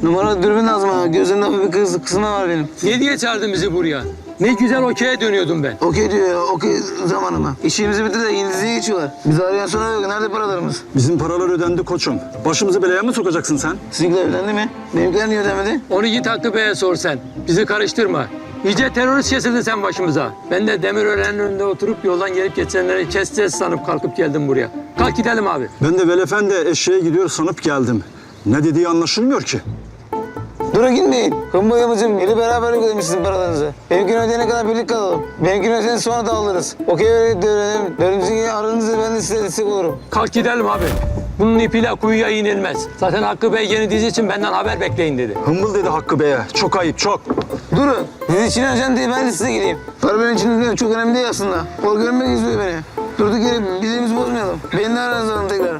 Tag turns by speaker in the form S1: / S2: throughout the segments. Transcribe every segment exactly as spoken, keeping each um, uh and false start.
S1: Numaralı dürbün lazım ha. Gözümde hafif bir kız, kısma var benim.
S2: Ne diye çağırdın bizi buraya? Ne güzel okey'e dönüyordum ben.
S1: Okey diyor ya, okey zamanı mı? İşimizi bitti de İngilizce'ye geçiyorlar. Bizi arayan sonra yok. Nerede paralarımız?
S3: Bizim paralar ödendi koçum. Başımızı belaya mı sokacaksın sen?
S1: Sizinkiler ödendi mi? Benimkiler niye ödemedi?
S2: Onu git Hakkı Bey'e sor sen. Bizi karıştırma. İyice terörist kesildin sen başımıza. Ben de Demirören'in önünde oturup yoldan gelip geçenleri keseceğiz sanıp kalkıp geldim buraya. Kalk gidelim abi.
S3: Ben de Velefendi eşeğe gidiyor sanıp geldim. Ne dediği anlaşılmıyor ki.
S1: Durun gitmeyin. Kumbu yamacım, biri beraber ödemiş sizin paralarınızı. Benimkini ödeyene kadar birlik kalalım. Benimkini ödeyene sonra dağılırız. Okey öğrenelim. Dördüncü aranızda ben de size destek olurum.
S2: Kalk gidelim abi. Bunun ipiyle kuyuya inilmez. Zaten Hakkı Bey yeni dizi için benden haber bekleyin dedi.
S3: Hımbıl dedi Hakkı Bey'e. Çok ayıp çok.
S1: Durun. Dizi için önemli değil, ben de size geleyim. Para benim için çok önemli değil aslında. O görmek istiyor beni. Durduk yere bizimizi bozmayalım. Beni de aranızda alın tekrar.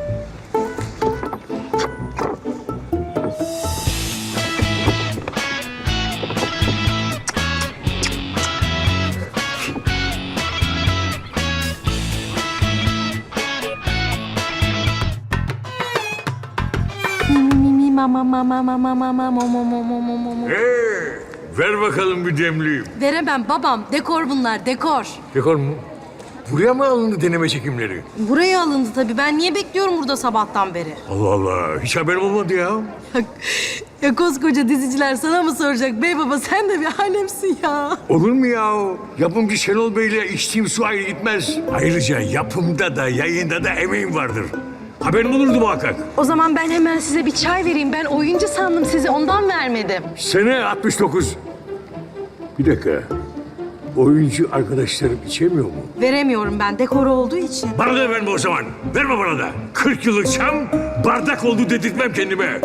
S4: Mama mama mama mama mama mama mama mama.
S5: Ee, ver bakalım bir demliğim.
S4: Veremem babam. Dekor bunlar, dekor.
S5: Dekor mu? Buraya mı alındı deneme çekimleri?
S4: Buraya alındı tabii. Ben niye bekliyorum burada sabahtan beri?
S5: Allah Allah, hiç haberim olmadı ya.
S4: Ya koskoca diziciler sana mı soracak? Bey baba sen de bir alemsin ya.
S5: Olur mu ya? Yapımcı Şenol Bey'le içtiğim su ayrı gitmez. Ayrıca yapımda da yayında da emeğim vardır. Haberim olurdu muhakkak.
S4: O zaman ben hemen size bir çay vereyim. Ben oyuncu sandım sizi. Ondan vermedim.
S5: Sene altmış dokuz. Bir dakika. Oyuncu arkadaşlarım içemiyor mu?
S4: Veremiyorum ben. Dekor olduğu için.
S5: Bana da verme o zaman. Verme bana da. kırk yıllık çam bardak oldu dedirtmem kendime.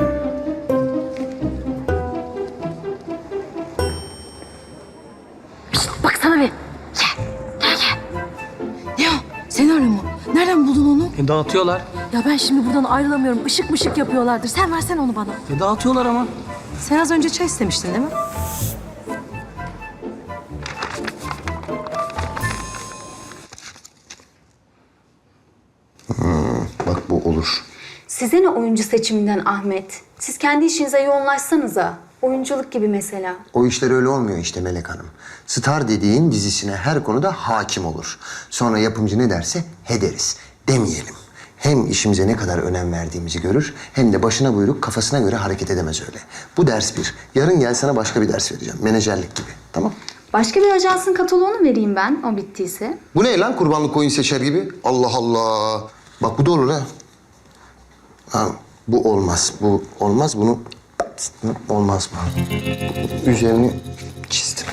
S4: Baksana bir. Gel. Gel gel. Ne o? Senaryo mu? Nereden buldun onu?
S1: E, dağıtıyorlar.
S4: Ya ben şimdi buradan ayrılamıyorum. Işık mışık yapıyorlardır. Sen versen onu bana.
S1: E, dağıtıyorlar ama.
S4: Sen az önce çay istemiştin değil mi?
S6: Bak bu olur.
S7: Size ne oyuncu seçiminden Ahmet? Siz kendi işinize yoğunlaşsanıza. Oyunculuk gibi mesela.
S6: O işler öyle olmuyor işte Melek Hanım. Star dediğin dizisine her konuda hakim olur. Sonra yapımcı ne derse he deriz. Demeyelim. Hem işimize ne kadar önem verdiğimizi görür, hem de başına buyruk kafasına göre hareket edemez öyle. Bu ders bir. Yarın gel sana başka bir ders vereceğim. Menajerlik gibi. Tamam?
S7: Başka bir ajansın kataloğunu vereyim ben, o bittiyse.
S6: Bu ne lan kurbanlık koyun seçer gibi? Allah Allah. Bak bu da olur ha. Ha, bu olmaz. Bu olmaz. Bunu olmaz bu. Üzerini çizdim.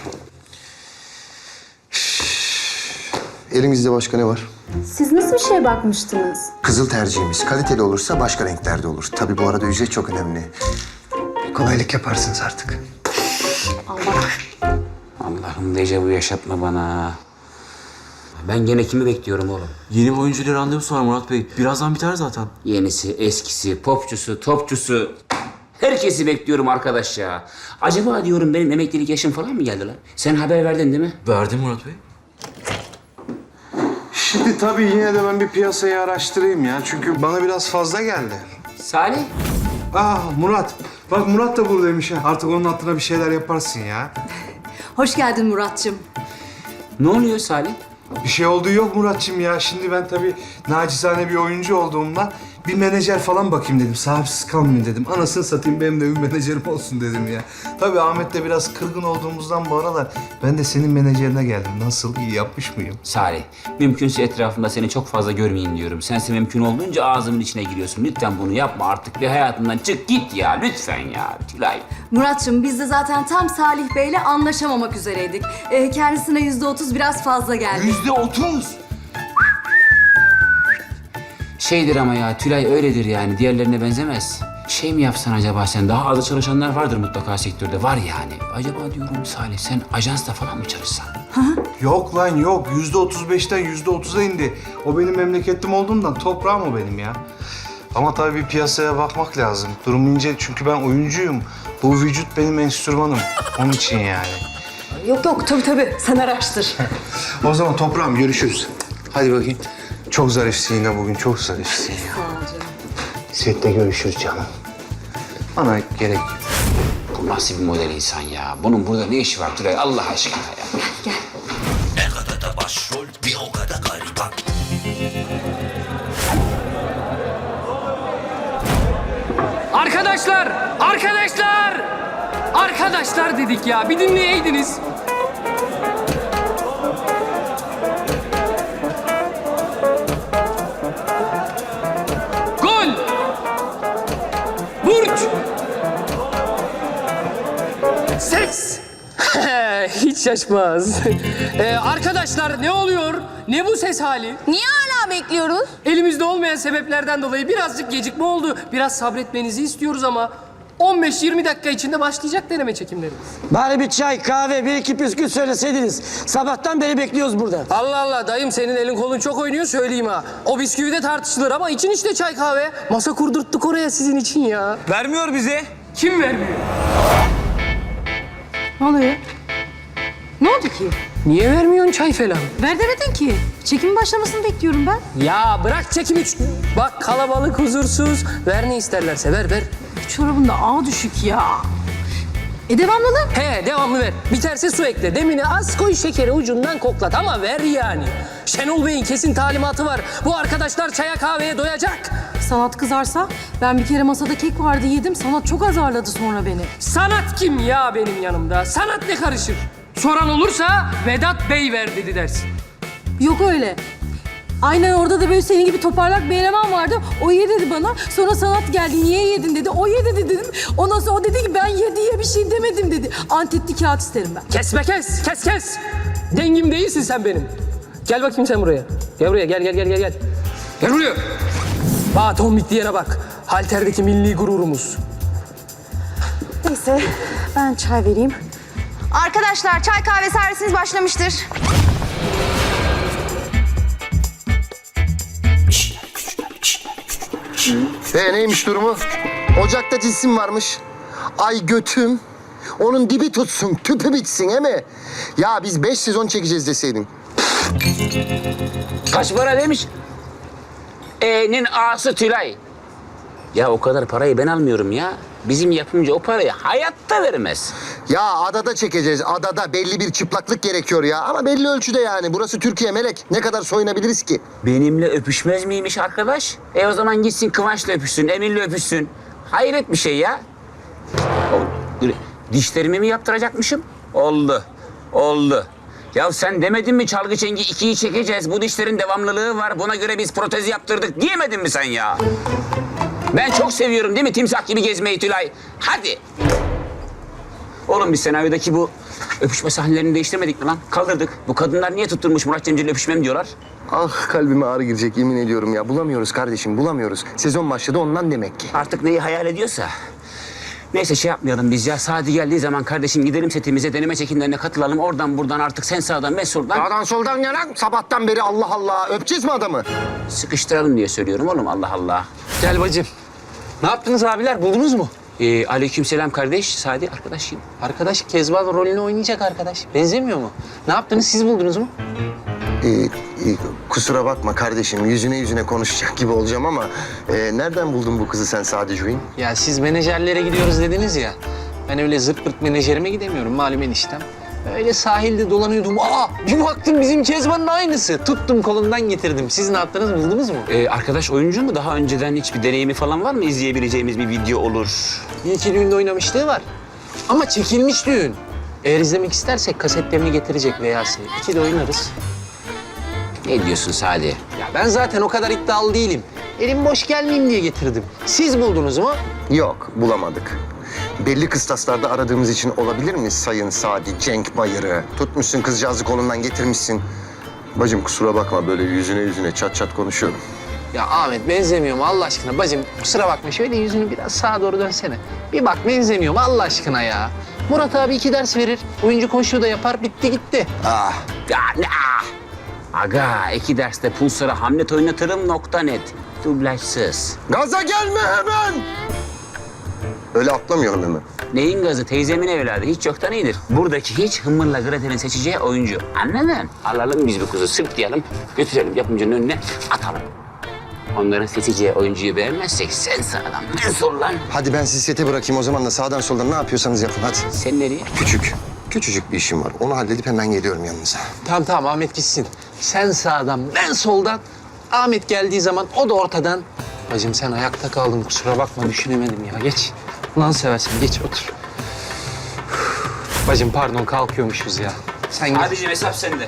S6: Elimizde başka ne var?
S7: Siz nasıl bir şeye bakmıştınız?
S6: Kızıl tercihimiz. Kaliteli olursa başka renklerde olur. Tabii bu arada ücret çok önemli. Kolaylık yaparsınız artık.
S7: Allah.
S8: Allah'ım dejavu yaşatma bana. Ben gene kimi bekliyorum oğlum?
S9: Yeni bir oyuncuyla randevusu var Murat Bey. Birazdan biter zaten.
S8: Yenisi, eskisi, popçusu, topçusu. Herkesi bekliyorum arkadaş ya. Acaba diyorum benim emeklilik yaşım falan mı geldi lan? Sen haber verdin değil mi?
S9: Verdim Murat Bey.
S10: Şimdi tabii yine de ben bir piyasayı araştırayım ya. Çünkü bana biraz fazla geldi.
S8: Salih.
S10: Aa Murat. Bak Murat da buradaymış ha. Artık onun hatırına bir şeyler yaparsın ya.
S4: Hoş geldin Muratçım.
S8: Ne oluyor Salih?
S10: Bir şey olduğu yok Muratçım ya. Şimdi ben tabii nacizane bir oyuncu olduğumdan bir menajer falan bakayım dedim. Sahipsiz kalmayayım dedim. Anasını satayım benim de bir menajerim olsun dedim ya. Tabii Ahmet'le biraz kırgın olduğumuzdan bu aralar ben de senin menajerine geldim. Nasıl, iyi yapmış mıyım?
S8: Salih, mümkünse etrafımda seni çok fazla görmeyeyim diyorum. Sense mümkün olduğunca ağzımın içine giriyorsun. Lütfen bunu yapma artık. Bir hayatımdan çık git ya. Lütfen ya. Tülay.
S4: Muratçım biz de zaten tam Salih Bey'le anlaşamamak üzereydik. Ee, kendisine yüzde otuz biraz fazla geldi.
S10: Yüzde otuz.
S8: Şeydir ama ya, Tülay öyledir yani. Diğerlerine benzemez. Şey mi yapsan acaba sen? Daha az çalışanlar vardır mutlaka sektörde. Var yani. Acaba diyorum Salih, sen ajansla falan mı çalışsan?
S10: Yok lan yok. Yüzde otuz beşten yüzde otuza indi. O benim memleketim olduğundan toprağım o benim ya. Ama tabii bir piyasaya bakmak lazım. Durum ince çünkü ben oyuncuyum. Bu vücut benim enstrümanım. Onun için yani.
S4: Yok yok tabii tabii sen araştır.
S10: O zaman toprağım görüşürüz. Hadi bakayım. Çok zarifsin yine bugün. Çok zarifsin ya.
S4: Sağ ol canım.
S10: Sette görüşürüz canım. Bana gerek yok.
S8: Bu nasıl bir model insan ya? Bunun burada ne işi var Tülay Allah aşkına ya?
S11: Arkadaşlar! Arkadaşlar! Arkadaşlar dedik ya. Bir dinleyeydiniz. Gol! Burç! Ses! Hiç şaşmaz. Ee, arkadaşlar ne oluyor? Ne bu ses hali?
S4: Niye hala bekliyoruz?
S11: Elimizde olmayan sebeplerden dolayı birazcık gecikme oldu. Biraz sabretmenizi istiyoruz ama on beş yirmi dakika içinde başlayacak deneme çekimlerimiz.
S1: Bari bir çay, kahve, bir iki püskül söyleseydiniz. Sabahtan beri bekliyoruz burada.
S11: Allah Allah dayım senin elin kolun çok oynuyor söyleyeyim ha. O bisküvi de tartışılır ama için işte çay kahve. Masa kurdurttuk oraya sizin için ya.
S1: Vermiyor bize.
S11: Kim vermiyor?
S4: Ne oluyor? Ne oldu ki?
S11: Niye vermiyorsun çay falan?
S4: Ver demedin ki. Çekimin başlamasını bekliyorum ben.
S11: Ya bırak çekim üç. Bak kalabalık huzursuz. Ver ne isterlerse ver ver.
S4: Çorabın da ağ düşük ya. E devamlı lan.
S11: He devamlı ver. Biterse su ekle. Demini az koy şekeri ucundan koklat ama ver yani. Şenol Bey'in kesin talimatı var. Bu arkadaşlar çaya kahveye doyacak.
S4: Sanat kızarsa ben bir kere masada kek vardı yedim. Sanat çok azarladı sonra beni.
S11: Sanat kim ya benim yanımda? Sanat ne karışır? Soran olursa Vedat Bey ver dedi dersin.
S4: Yok öyle. Aynen orada da böyle senin gibi toparlak bir eleman vardı. O ye dedi bana. Sonra Sanat geldi. Niye yedin dedi. O ye dedi dedim. Ondan sonra o dedi ki ben ye diye bir şey demedim dedi. Antetli kağıt isterim ben.
S11: Kesme kes, kes kes. Dengim değilsin sen benim. Gel bakayım sen buraya. Gel buraya, gel gel gel gel gel. Gel buraya. Bak tombik diyene bak. Halterdeki milli gururumuz.
S4: Neyse ben çay vereyim.
S12: Arkadaşlar çay kahve servisiniz başlamıştır.
S6: Ee neymiş durumu? Ocakta cisim varmış. Ay götüm. Onun dibi tutsun, tüpü bitsin he mi? Ya biz beş sezon çekeceğiz deseydin.
S8: Kaç para demiş? E'nin A'sı Tülay. Ya o kadar parayı ben almıyorum ya. Bizim yapımcı o parayı hayatta vermez.
S6: Ya adada çekeceğiz, adada belli bir çıplaklık gerekiyor ya. Ama belli ölçüde yani. Burası Türkiye Melek. Ne kadar soyunabiliriz ki?
S8: Benimle öpüşmez miymiş arkadaş? E o zaman gitsin Kıvanç'la öpüşsün, Emin'le öpüşsün. Hayret bir şey ya. O, dur, dişlerimi mi yaptıracakmışım? Oldu, oldu. Ya sen demedin mi çalgı çengi ikiyi çekeceğiz, bu dişlerin devamlılığı var, buna göre biz protez yaptırdık diyemedin mi sen ya? Ben çok seviyorum değil mi timsah gibi gezmeyi Tülay? Hadi. Oğlum biz senaryodaki bu öpüşme sahnelerini değiştirmedik mi lan? Kaldırdık. Bu kadınlar niye tutturmuş Murat Cemcir'le öpüşmem diyorlar?
S6: Ah kalbime ağrı girecek yemin ediyorum ya. Bulamıyoruz kardeşim, bulamıyoruz. Sezon başladı ondan demek ki.
S8: Artık neyi hayal ediyorsa. Neyse şey yapmayalım biz ya. Sadi geldiği zaman kardeşim gidelim setimize, deneme çekimlerine katılalım. Oradan buradan artık sen sağdan ben soldan.
S6: Sağdan soldan yanan sabahtan beri Allah Allah. Öpeceğiz mi adamı?
S8: Sıkıştıralım diye söylüyorum oğlum Allah Allah.
S11: Gel bacım. Ne yaptınız abiler? Buldunuz mu?
S8: Ee, aleykümselam kardeş. Sadi arkadaşım.
S11: Arkadaş Kezban rolünü oynayacak arkadaş. Benzemiyor mu? Ne yaptınız? Siz buldunuz mu?
S6: Ee, e, kusura bakma kardeşim. Yüzüne yüzüne konuşacak gibi olacağım ama... E, nereden buldun bu kızı sen Sadi Cuin?
S11: Ya siz menajerlere gidiyoruz dediniz ya. Ben öyle zırt pırt menajerime gidemiyorum malum eniştem. Öyle sahilde dolanıyordum. Aa bir baktım bizim Kezban'ın aynısı. Tuttum kolundan getirdim. Siz ne yaptınız buldunuz mu?
S8: Ee, arkadaş oyuncu mu? Daha önceden hiçbir deneyimi falan var mı? İzleyebileceğimiz bir video olur.
S11: Bir iki düğünde oynamışlığı var. Ama çekilmiş düğün. Eğer izlemek istersek kasetlerini getirecek Veyasi. İki de oynarız.
S8: Ne diyorsun Sadi?
S11: Ya ben zaten o kadar iddialı değilim. Elim boş gelmeyeyim diye getirdim. Siz buldunuz mu?
S6: Yok, bulamadık. Belli kıstaslarda aradığımız için olabilir mi Sayın Sadi Cenk Bayır'ı? Tutmuşsun kızcağızı kolundan getirmişsin. Bacım kusura bakma böyle yüzüne yüzüne çat çat konuşuyorum.
S11: Ya Ahmet benzemiyor mu Allah aşkına? Bacım kusura bakma şöyle yüzünü biraz sağa doğru dönsene. Bir bak benzemiyor mu Allah aşkına ya? Murat abi iki ders verir. Oyuncu koşuyu da yapar bitti gitti.
S6: Ah,
S8: Ya ne ah! Aga iki derste Pulsar'a Hamlet oynatırım nokta net. Dublajsız.
S6: gaza gelme hemen! Öyle atlamayalım hemen.
S8: Neyin gazı? Teyzemin evladı. Hiç yoktan iyidir. Buradaki hiç Hımır'la Gretel'in seçeceği oyuncu. Anladın? Alalım biz bu kızı sırtlayalım, götürelim yapımcının önüne atalım. Onların seçeceği oyuncuyu beğenmezsek sen sağdan ben soldan.
S6: Hadi ben sizi sete bırakayım o zaman da sağdan soldan ne yapıyorsanız yapın hadi.
S8: Sen nereye?
S6: Küçük, küçücük bir işim var. Onu halledip hemen geliyorum yanınıza.
S11: Tamam tamam Ahmet gitsin. Sen sağdan, ben soldan. Ahmet geldiği zaman o da ortadan. Bacım sen ayakta kaldın kusura bakma düşünemedim ya. Geç. Ulan seversen geç otur. Bacım pardon kalkıyormuşuz ya. Sen git.
S8: Abiciğim hesap sende.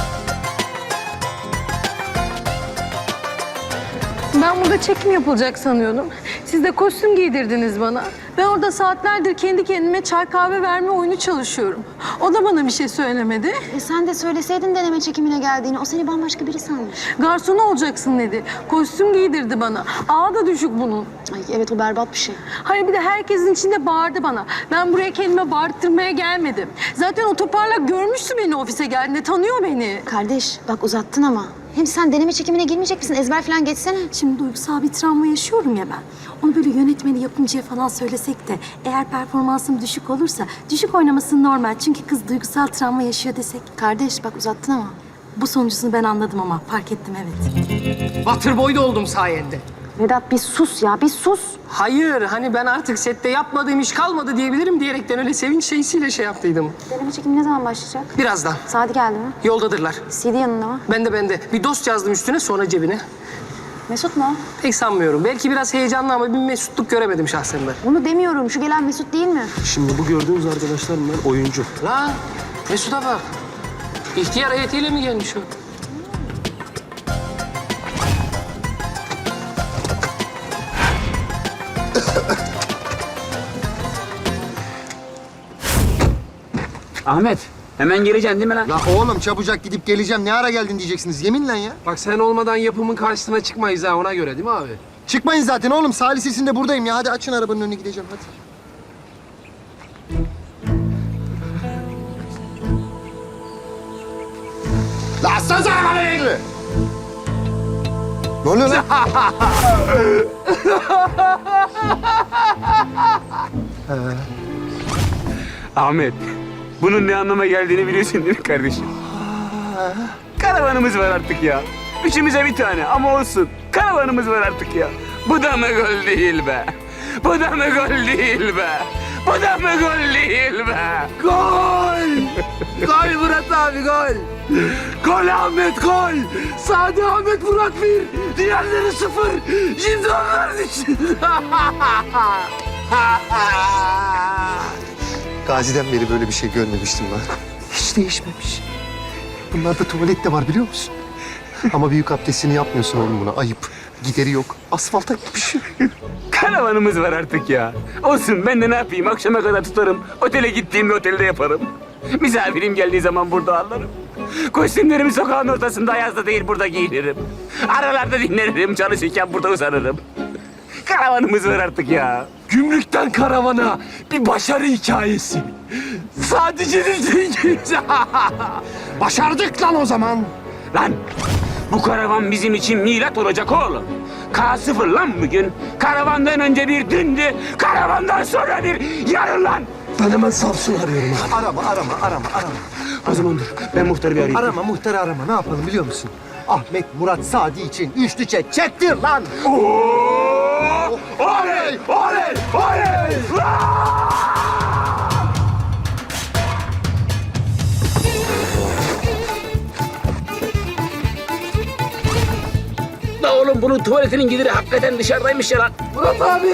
S4: Ben burada çekim yapılacak sanıyordum. Siz de kostüm giydirdiniz bana. Ben orada saatlerdir kendi kendime çay kahve verme oyunu çalışıyorum. O da bana bir şey söylemedi.
S12: E sen de söyleseydin deneme çekimine geldiğini. O seni bambaşka biri sanmış.
S4: Garson olacaksın dedi. Kostüm giydirdi bana. Ağı da düşük bunun.
S12: Ay evet o berbat bir şey.
S4: Hayır bir de herkesin içinde bağırdı bana. Ben buraya kendime bağırttırmaya gelmedim. Zaten o toparlak görmüştü beni ofise geldiğinde. Tanıyor beni.
S12: Kardeş bak uzattın ama. Hem sen deneme çekimine girmeyecek misin? Ezber falan geçsene.
S4: Şimdi duygusal bir travma yaşıyorum ya ben. Onu böyle yönetmeni, yapımcıya falan söylesek de eğer performansım düşük olursa düşük oynaması normal. Çünkü kız duygusal travma yaşıyor desek.
S12: Kardeş bak uzattın ama.
S4: Bu sonucunu ben anladım ama fark ettim evet.
S11: Waterboy da oldum sayende.
S12: Vedat bir sus ya bir sus.
S11: Hayır hani ben artık sette yapmadığım iş kalmadı diyebilirim diyerekten öyle sevinç şeysiyle şey yaptıydım.
S12: Deneme çekimi ne zaman başlayacak?
S11: Birazdan.
S12: Saati geldi mi?
S11: Yoldadırlar.
S12: C D yanında mı?
S11: Ben de ben de. Bir dost yazdım üstüne sonra cebine.
S12: Mesut mu?
S11: Pek sanmıyorum. Belki biraz heyecanlı ama bir mesutluk göremedim şahsen ben.
S12: Bunu demiyorum. Şu gelen Mesut değil mi?
S9: Şimdi bu gördüğünüz arkadaşlar bunlar oyuncu.
S11: Lan Mesut'a bak. İhtiyar heyetiyle mi gelmiş o?
S8: Ahmet hemen geleceksin değil mi lan?
S6: La oğlum çabucak gidip geleceğim. Ne ara geldin diyeceksiniz yeminle ya.
S11: Bak sen olmadan yapımın karşısına çıkmayız ha ona göre değil mi abi?
S6: Çıkmayın zaten oğlum. Salih sesinde buradayım ya. Hadi açın arabanın önüne gideceğim hadi. La açsanıza arabanın önünü. Ne oluyor lan?
S8: Ahmet, bunun ne anlama geldiğini biliyorsun değil mi kardeşim? Karavanımız var artık ya. Üçümüze bir tane ama olsun. Karavanımız var artık ya. Bu da mı gol değil be? Bu da mı gol değil be? Bu da mı gol değil be? Gol! Gol Murat abi gol! Gol Ahmet gol! Sadi Ahmet Murat bir, diğerleri sıfır. Şimdi onlar için.
S6: Gazi'den beri böyle bir şey görmemiştim ben. Hiç değişmemiş. Bunlarda tuvalet de var biliyor musun? Ama büyük abdestini yapmıyorsun oğlum buna. Ayıp. Gideri yok. Asfalta gitmiş.
S8: Karavanımız var artık ya. Olsun ben de ne yapayım akşama kadar tutarım. Otele gittiğimde otelde yaparım. Misafirim geldiği zaman burada alırım. Kostümlerimi sokağın ortasında ayazda değil burada giyinirim. Aralarda dinlenirim çalışırken burada uzanırım. Karavanımız var artık ya.
S2: Gümrükten karavana bir başarı hikayesi. Sadece dengeyiz.
S8: Başardık lan o zaman. Lan bu karavan bizim için milat olacak oğlum. K sıfır lan bugün. Karavandan önce bir dündü. Karavandan sonra bir yarın lan.
S2: Ben hemen Samsun arıyorum abi.
S6: Arama, arama, arama, arama.
S8: O zaman dur ben muhtarı bir arayayım.
S6: Arama, muhtarı arama. Ne yapalım biliyor musun? Ahmet Murat Sadi için üçlü çek çektir lan.
S8: Oo! Oley! Oley! Oley! La oğlum bunun tuvaletinin gideri hakikaten dışarıdaymış ya lan. Murat abi!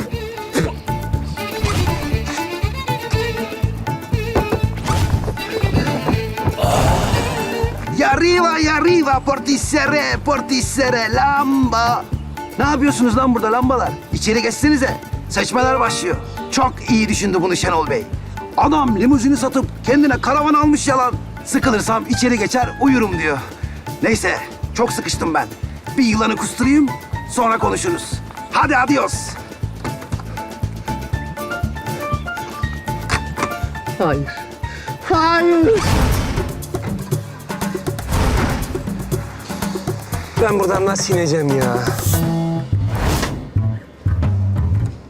S13: Y arriba y arriba portisere portisere lamba. Ne yapıyorsunuz lan burada lambalar? İçeri geçsenize. Seçmeler başlıyor. Çok iyi düşündü bunu Şenol Bey. Adam limuzini satıp kendine karavan almış yalan. Sıkılırsam içeri geçer uyurum diyor. Neyse çok sıkıştım ben. Bir yılanı kusturayım sonra konuşuruz. Hadi adios.
S11: Hayır. Hayır. Ben buradan nasıl ineceğim ya?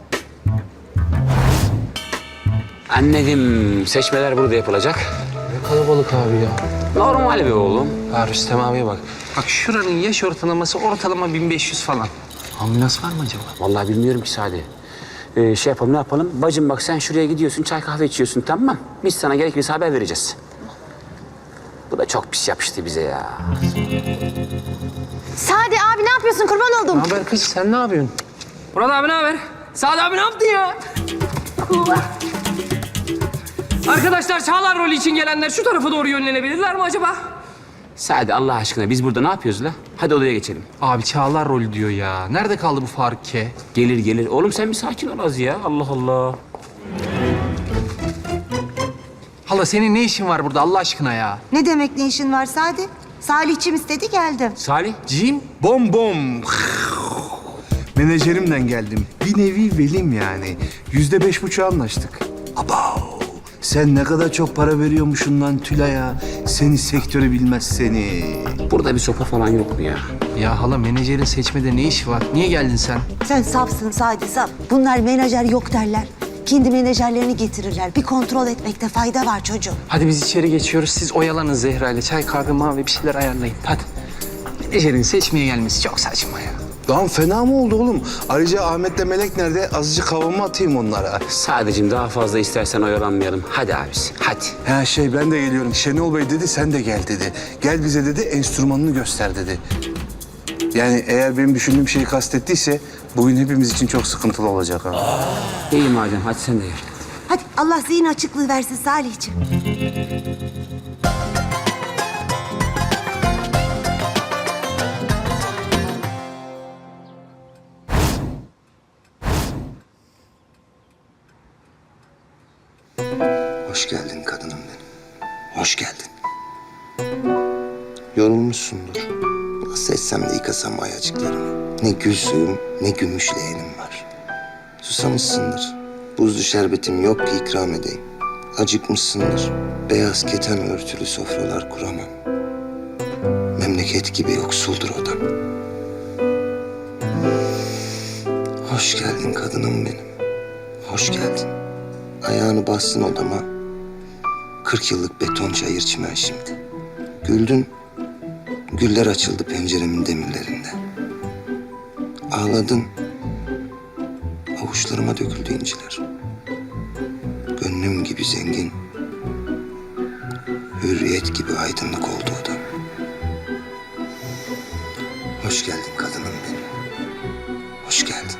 S8: Anladım. Seçmeler burada yapılacak.
S11: Ne kalabalık abi ya.
S8: Normal be oğlum.
S11: Ha Rüstem abiye bak. Bak şuranın yaş ortalaması ortalama bin beş yüz falan. Ambulans var mı acaba?
S8: Vallahi bilmiyorum ki Sadi. Ee, şey yapalım ne yapalım? Bacım bak sen şuraya gidiyorsun çay kahve içiyorsun tamam mı? Biz sana gerekirse haber vereceğiz. Bu da çok pis yapıştı bize ya.
S12: Sadi abi ne yapıyorsun? Kurban oldum.
S11: Ne haber kız? Sen ne yapıyorsun?
S9: Murat abi ne haber? Sadi abi ne yaptın ya? Arkadaşlar Çağlar rolü için gelenler şu tarafa doğru yönlenebilirler mi acaba?
S8: Sadi Allah aşkına biz burada ne yapıyoruz la? Hadi odaya geçelim.
S11: Abi Çağlar rolü diyor ya. Nerede kaldı bu Faruk K?
S8: Gelir gelir. Oğlum sen bir sakin ol az ya. Allah Allah.
S11: Hala senin ne işin var burada Allah aşkına ya?
S14: Ne demek ne işin var Sadi? Salihçim istedi geldim.
S8: Salih.
S11: Cim?
S10: Bom bom. Menajerimden geldim. Bir nevi velim yani. Yüzde beş buçuğa anlaştık. Abav. Sen ne kadar çok para veriyormuşsun lan Tülay'a. Seni sektörü bilmez seni.
S8: Burada bir sopa falan yok mu ya?
S11: Ya hala menajerin seçmede ne işi var? Niye geldin sen?
S14: Sen safsın Sadi saf. Bunlar menajer yok derler. Kendi menajerlerini getirirler. Bir kontrol etmekte fayda var çocuğum.
S11: Hadi biz içeri geçiyoruz. Siz oyalanın Zehra ile. Çay, kahve, mavi bir şeyler ayarlayın. Hadi. Menajerin seçmeye gelmesi çok saçma ya.
S10: Lan fena mı oldu oğlum? Ayrıca Ahmet'le Melek nerede? Azıcık havamı atayım onlara.
S8: Sadece daha fazla istersen oyalanmayalım. Hadi abisi hadi.
S10: Ha şey ben de geliyorum. Şenol Bey dedi sen de gel dedi. Gel bize dedi enstrümanını göster dedi. Yani eğer benim düşündüğüm şeyi kastettiyse bugün hepimiz için çok sıkıntılı olacak ha.
S8: İyi madem hadi sen de gel.
S14: Hadi Allah zihin açıklığı versin Salihçim.
S6: Hoş geldin kadınım benim. Hoş geldin. Yorulmuşsundur. Nasıl etsem de yıkasam ayacıklarını. Ne gül suyum ne gümüş leğenim var. Susamışsındır. Buzlu şerbetim yok ki ikram edeyim. Acıkmışsındır. Beyaz keten örtülü sofralar kuramam. Memleket gibi yoksuldur odam. Hoş geldin kadınım benim. Hoş geldin. Ayağını bassın odama. Kırk yıllık beton çayır çimen şimdi. Güldün. Güller açıldı penceremin demirlerinde. Ağladın. Avuçlarıma döküldü inciler. Gönlüm gibi zengin. Hürriyet gibi aydınlık oldu odam. Hoş geldin kadınım benim. Hoş geldin.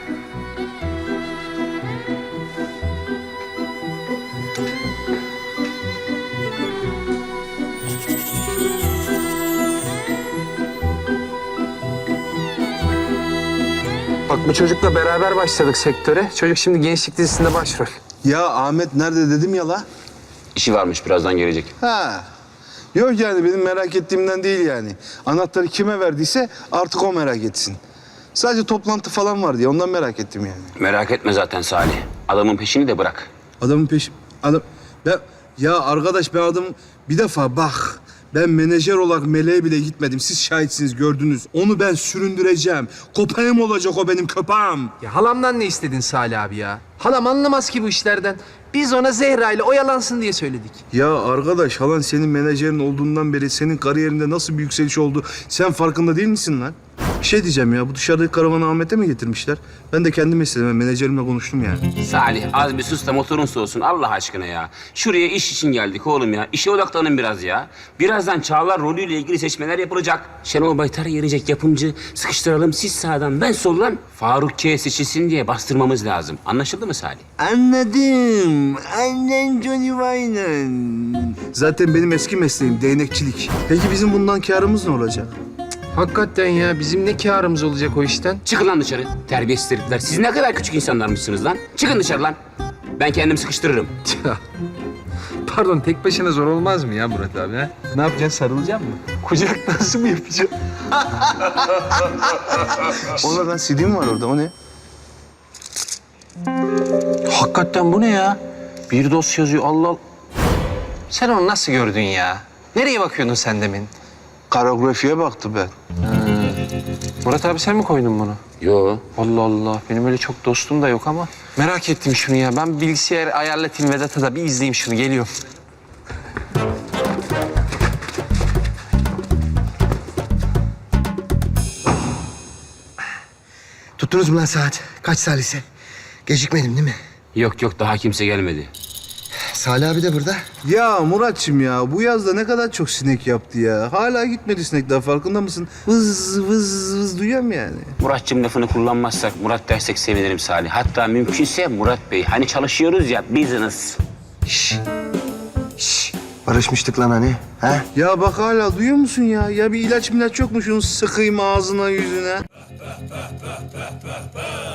S11: Bak bu çocukla beraber başladık sektöre. Çocuk şimdi gençlik dizisinde başrol.
S10: Ya Ahmet nerede dedim ya la?
S8: İşi varmış birazdan gelecek.
S10: Ha. Yok yani benim merak ettiğimden değil yani. Anahtarı kime verdiyse artık o merak etsin. Sadece toplantı falan var diye ondan merak ettim yani.
S8: Merak etme zaten Salih. Adamın peşini de bırak.
S10: Adamın peşi... Adam... Ben... Ya arkadaş ben adam... Bir defa bak... Ben menajer olarak meleğe bile gitmedim. Siz şahitsiniz, gördünüz. Onu ben süründüreceğim. Köpeğim olacak o benim köpeğim.
S11: Ya halamdan ne istedin Salih abi ya? Halam anlamaz ki bu işlerden. Biz ona Zehra ile oyalansın diye söyledik.
S10: Ya arkadaş halan senin menajerin olduğundan beri senin kariyerinde nasıl bir yükseliş oldu sen farkında değil misin lan? Bir şey diyeceğim ya bu dışarıdaki karavanı Ahmet'e mi getirmişler? Ben de kendim istedim. Ben menajerimle konuştum yani.
S8: Salih az bir sus da motorun soğusun Allah aşkına ya. Şuraya iş için geldik oğlum ya. İşe odaklanın biraz ya. Birazdan Çağlar rolüyle ilgili seçmeler yapılacak. Şenol Baytar gelecek yapımcı. Sıkıştıralım siz sağdan ben soldan. Faruk K seçilsin diye bastırmamız lazım. Anlaşıldı mı Salih?
S10: Anladım. Annen Johnny Wayne'ın. Zaten benim eski mesleğim değnekçilik. Peki bizim bundan kârımız ne olacak?
S11: Hakikaten ya bizim ne kârımız olacak o işten?
S8: Çıkın lan dışarı. Terbiyesiz herifler. Siz ne kadar küçük insanlarmışsınız lan. Çıkın dışarı lan. Ben kendim sıkıştırırım.
S11: Pardon tek başına zor olmaz mı ya Murat abi ha? Ne yapacaksın sarılacak mı? Kucak nasıl mı yapacağım?
S10: O lan C D mi var orada o ne?
S11: Hakikaten bu ne ya? Bir dosya yazıyor Allah Allah. Sen onu nasıl gördün ya? Nereye bakıyordun sen demin?
S10: Karografiye baktı ben.
S11: Murat abi sen mi koydun bunu?
S8: Yo.
S11: Allah Allah. Benim öyle çok dostum da yok ama. Merak ettim şunu ya. Ben bilgisayar ayarlatayım Vedat'a da bir izleyeyim şunu. Geliyorum.
S6: Tuttunuz mu lan saat? Kaç salise? Gecikmedim değil mi?
S8: Yok yok daha kimse gelmedi.
S6: Salih abi de burada.
S10: Ya Muratçım ya bu yazda ne kadar çok sinek yaptı ya. Hala gitmedi sinek daha farkında mısın? Vız vız vız duyuyorum yani.
S8: Muratçım lafını kullanmazsak Murat dersek sevinirim Salih. Hatta mümkünse Murat Bey. Hani çalışıyoruz ya business.
S6: Şşş. Şşş. Barışmıştık lan hani. Ha?
S10: Ya bak hala duyuyor musun ya? Ya bir ilaç milaç yok mu şunu sıkayım ağzına yüzüne?